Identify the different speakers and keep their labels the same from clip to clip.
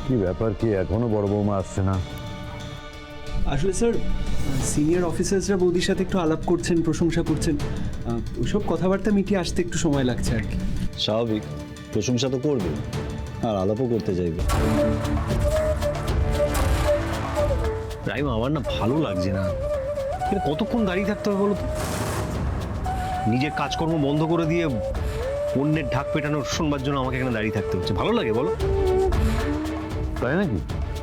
Speaker 1: কি ব্যাপার, কি এখনো বড় বৌমা আসছে না?
Speaker 2: আসলে স্যার সিনিয়র অফিসার্সরা বৌদির সাথে একটু আলাপ করছেন, প্রশংসা করছেন, ওইসব কথাবার্তা মিটিয়ে আসতে একটু সময় লাগছে আর কি।
Speaker 3: স্বাভাবিক, প্রশংসা তো করবে আর আলাপও করতে চাইবে। রাইমা, আমার না ভালো লাগছে না। কতক্ষণ দাঁড়িয়ে থাকতে হবে বলো তো? নিজের কাজকর্ম বন্ধ করে দিয়ে অন্যের ঢাক পেটানোর শুনবার জন্য আমাকে এখানে দাঁড়িয়ে থাকতে হচ্ছে। ভালো লাগে বলো?
Speaker 1: তাই নাকি?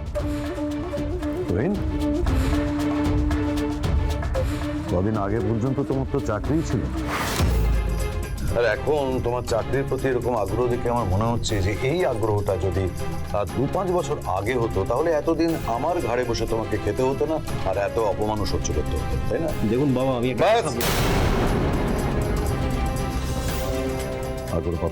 Speaker 1: কদিন আগে পর্যন্ত তোমার তো চাকরিই ছিল, আর এখন তোমার চাকরির প্রতি এরকম আগ্রহ দেখে আমার মনে হচ্ছে যে এই আগ্রহটা যদি 2-5 বছর আগে হতো তাহলে এতদিন আমার ঘাড়ে বসে তোমাকে খেতে হতো না, আর এত অপমানও সহ্য করতে হতো, তাই না?
Speaker 3: দেখুন বাবা, আমি একটা
Speaker 1: আর কোনো কথা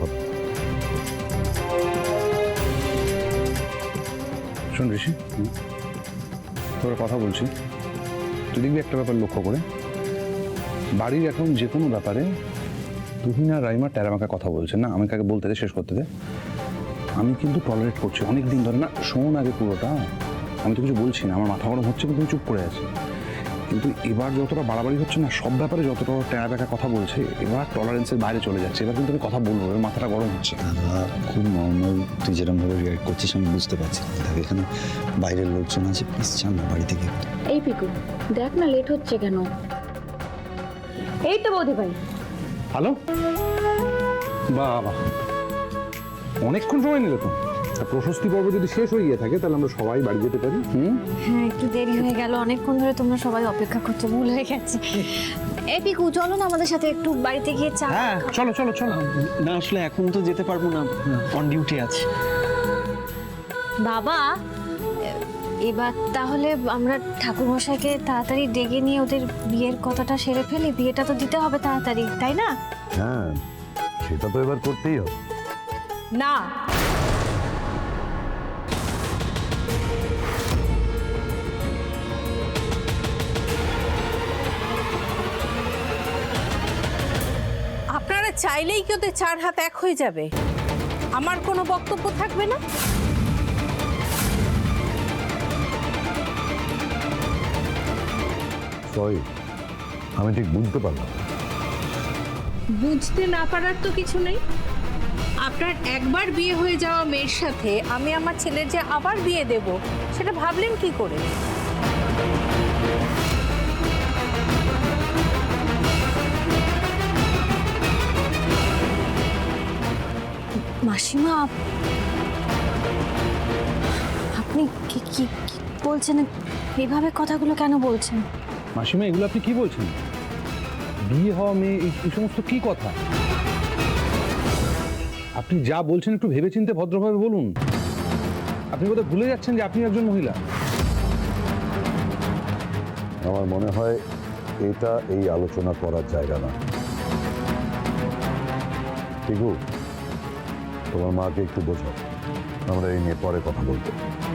Speaker 4: শোন ঋষি, তোর কথা বলছি, তুই দেখবি একটা ব্যাপার লক্ষ্য করে, বাড়ির এখন যে কোনো ব্যাপারে তুহিন আর রাইমা টেরামাকে কথা বলছেন না, আমাকে আগে বলতে দে, শেষ করতে দে। আমি কিন্তু টলারেট করছি অনেক দিন ধরে। না শোন আগে পুরোটা, আমি তো কিছু বলছি না, আমার মাথা গরম হচ্ছে কিন্তু আমি চুপ করে আছি। কিন্তু এবার যতটা বাড়াবাড়ি হচ্ছে না, সব ব্যাপারে যতটা টেরাবেকা কথা বলছে, এবার টলারেন্সের বাইরে চলে যাচ্ছে। এবার কিন্তু আমি কথা বলবো, এবার মাথাটা গরম হচ্ছে।
Speaker 3: খুব নর্মাল, তুই যেরকম ভাবে রিয়াক্ট করছিস আমি বুঝতে পারছি। দেখ, এখানে বাইরের লোকজন আছে, প্লিজ চান না বাড়ি থেকে।
Speaker 5: এই পিকু, দেখ না লেট হচ্ছে কেন। এই তো বৌদি ভাই।
Speaker 4: হ্যালো, বাবা অনেকক্ষণ সময় নিলে তো। প্রশস্তি পর্ব যদি শেষ হয়ে গিয়ে থাকে তাহলে আমরা সবাই বাড়ি যেতে পারি।
Speaker 6: হ্যাঁ, একটু দেরি হয়ে গেল, অনেকক্ষণ ধরে তোমরা সবাই অপেক্ষা করছো, ভুল হয়ে গেছে। এই পিকু, চলো না আমাদের সাথে একটু বাড়িতে গিয়ে চা।
Speaker 2: হ্যাঁ
Speaker 4: চলো চলো চলো।
Speaker 2: না আসলে এখন তো যেতে পারবো না, অন ডিউটি আছে।
Speaker 6: বাবা, এবার তাহলে আমরা ঠাকুরমশাইকে তাড়াতাড়ি ডেকে নিয়ে ওদের বিয়ের কথাটা সেরে ফেলি। বিয়েটা তো দিতে হবে তাড়াতাড়ি, তাই না?
Speaker 1: হ্যাঁ, সেটা তো এবার করতেই হবে।
Speaker 7: না, আপনারা চাইলেই কি ওদের 4 হাত এক হয়ে যাবে? আমার কোনো বক্তব্য থাকবে না?
Speaker 1: সরি, আমি ঠিক বুঝতে পারলাম।
Speaker 7: বুঝতে না পারার তো কিছু নেই। আপনার একবার বিয়ে হয়ে যাওয়া মেয়ের সাথে আমি আমার ছেলের যে আবার বিয়ে দেব, সেটা ভাবলেন কি করে?
Speaker 6: মাসিমা, আপনি কি কি কি বলছেন? এভাবে কথাগুলো কেন বলছেন?
Speaker 4: মাসিমা, এগুলো আপনি কি বলছেন? বিয়ে হওয়া মেয়ে, এই সমস্ত কি কথা? আপনি যা বলছেন একটু ভেবেচিন্তে ভদ্রভাবে বলুন। আপনি বোধহয় ভুলে যাচ্ছেন যে আপনি একজন মহিলা।
Speaker 1: আমার মনে হয় এটা এই আলোচনা করার জায়গা না। ঠিকু, তোমার মাকে একটু বোঝাও, আমরা এই নিয়ে পরে কথা বলবো।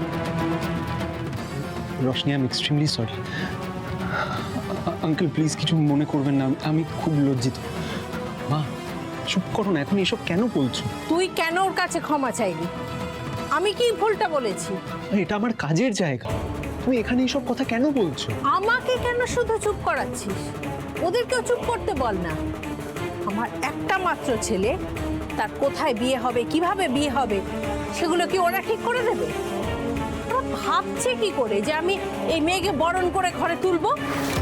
Speaker 2: Roshni, I am extremely sorry. Uncle please কিছু মনে করবেন না, আমি খুব লজ্জিত। মা চুপ করো না, এখন এসব কেন বলছো?
Speaker 7: তুই কেন ওর কাছে ক্ষমা চাইলি? আমি কি ভুলটা বলেছি?
Speaker 2: এটা আমার কাজের জায়গা, তুমি এখানে এসব কথা কেন বলছো?
Speaker 7: আমাকে কেন শুধু চুপ করাচ্ছিস? ওদেরকেও চুপ করতে বল না। আমার একটা মাত্র ছেলে, তার কোথায় বিয়ে হবে, কিভাবে বিয়ে হবে, সেগুলো কি ওরা ঠিক করে দেবে? ওরা ভাবছে কি করে যে আমি এই মেয়েকে বরণ করে ঘরে তুলবো?